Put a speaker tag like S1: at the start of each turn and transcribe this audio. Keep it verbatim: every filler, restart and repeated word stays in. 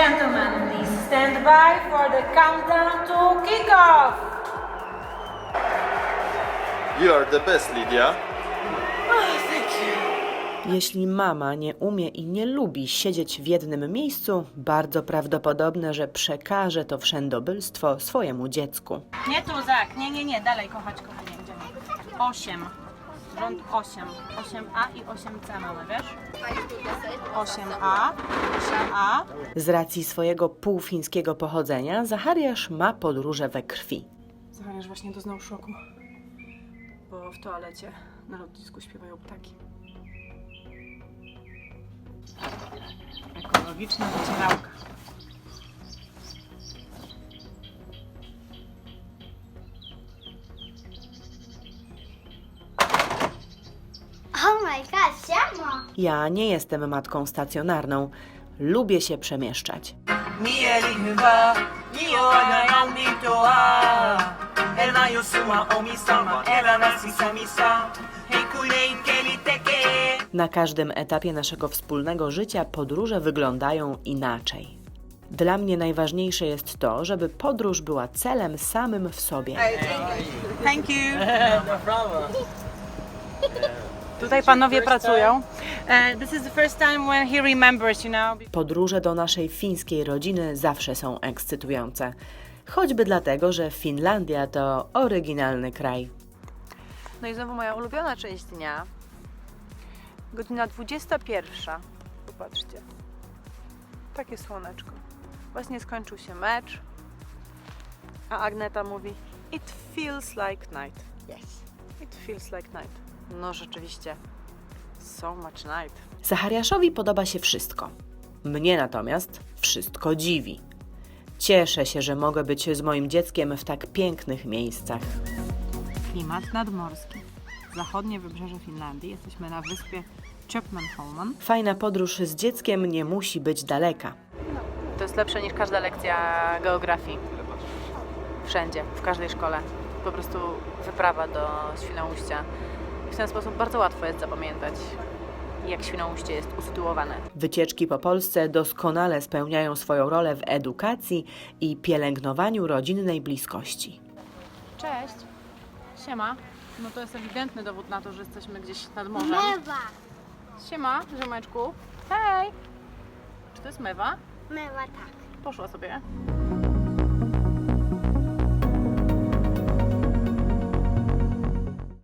S1: gentlemen, please stand by for the countdown to kick-off.
S2: You are the best, Lydia.
S3: Jeśli mama nie umie i nie lubi siedzieć w jednym miejscu, bardzo prawdopodobne, że przekaże to wszędobylstwo swojemu dziecku.
S1: Nie tu, Zak, nie, nie, nie, dalej kochać, kochanie, idziemy. osiem, rząd osiem, osiem A i osiem C mamy, wiesz? osiem A, osiem A.
S3: Z racji swojego półfińskiego pochodzenia, Zachariasz ma podróże we krwi.
S4: Zachariasz właśnie doznał szoku, bo w toalecie na lotnisku śpiewają ptaki.
S1: Ekologiczna wycierałka.
S5: Oh my god, siamo!
S3: Ja nie jestem matką stacjonarną. Lubię się przemieszczać. Na każdym etapie naszego wspólnego życia podróże wyglądają inaczej. Dla mnie najważniejsze jest to, żeby podróż była celem samym w sobie.
S1: Thank you. Tutaj panowie pracują. Uh, this is the first time when he remembers, you know.
S3: Podróże do naszej fińskiej rodziny zawsze są ekscytujące. Choćby dlatego, że Finlandia to oryginalny kraj.
S4: No i znowu moja ulubiona część dnia. Godzina dwudziesta pierwsza. Popatrzcie. Takie słoneczko. Właśnie skończył się mecz. A Agneta mówi: It feels like night. Yes. It feels like night. No rzeczywiście. So much night.
S3: Zachariaszowi podoba się wszystko. Mnie natomiast wszystko dziwi. Cieszę się, że mogę być z moim dzieckiem w tak pięknych miejscach.
S1: Klimat nadmorski. Zachodnie wybrzeże Finlandii. Jesteśmy na wyspie Köpmanholmen.
S3: Fajna podróż z dzieckiem nie musi być daleka.
S4: To jest lepsze niż każda lekcja geografii. Wszędzie, w każdej szkole. Po prostu wyprawa do Świnoujścia. I w ten sposób bardzo łatwo jest zapamiętać, jak Świnoujście jest usytuowane.
S3: Wycieczki po Polsce doskonale spełniają swoją rolę w edukacji i pielęgnowaniu rodzinnej bliskości.
S4: Cześć. Siema. No to jest ewidentny dowód na to, że jesteśmy gdzieś nad morzem.
S5: Mewa!
S4: Siema, ziomeczku. Hej! Czy to jest mewa?
S5: Mewa tak.
S4: Poszła sobie.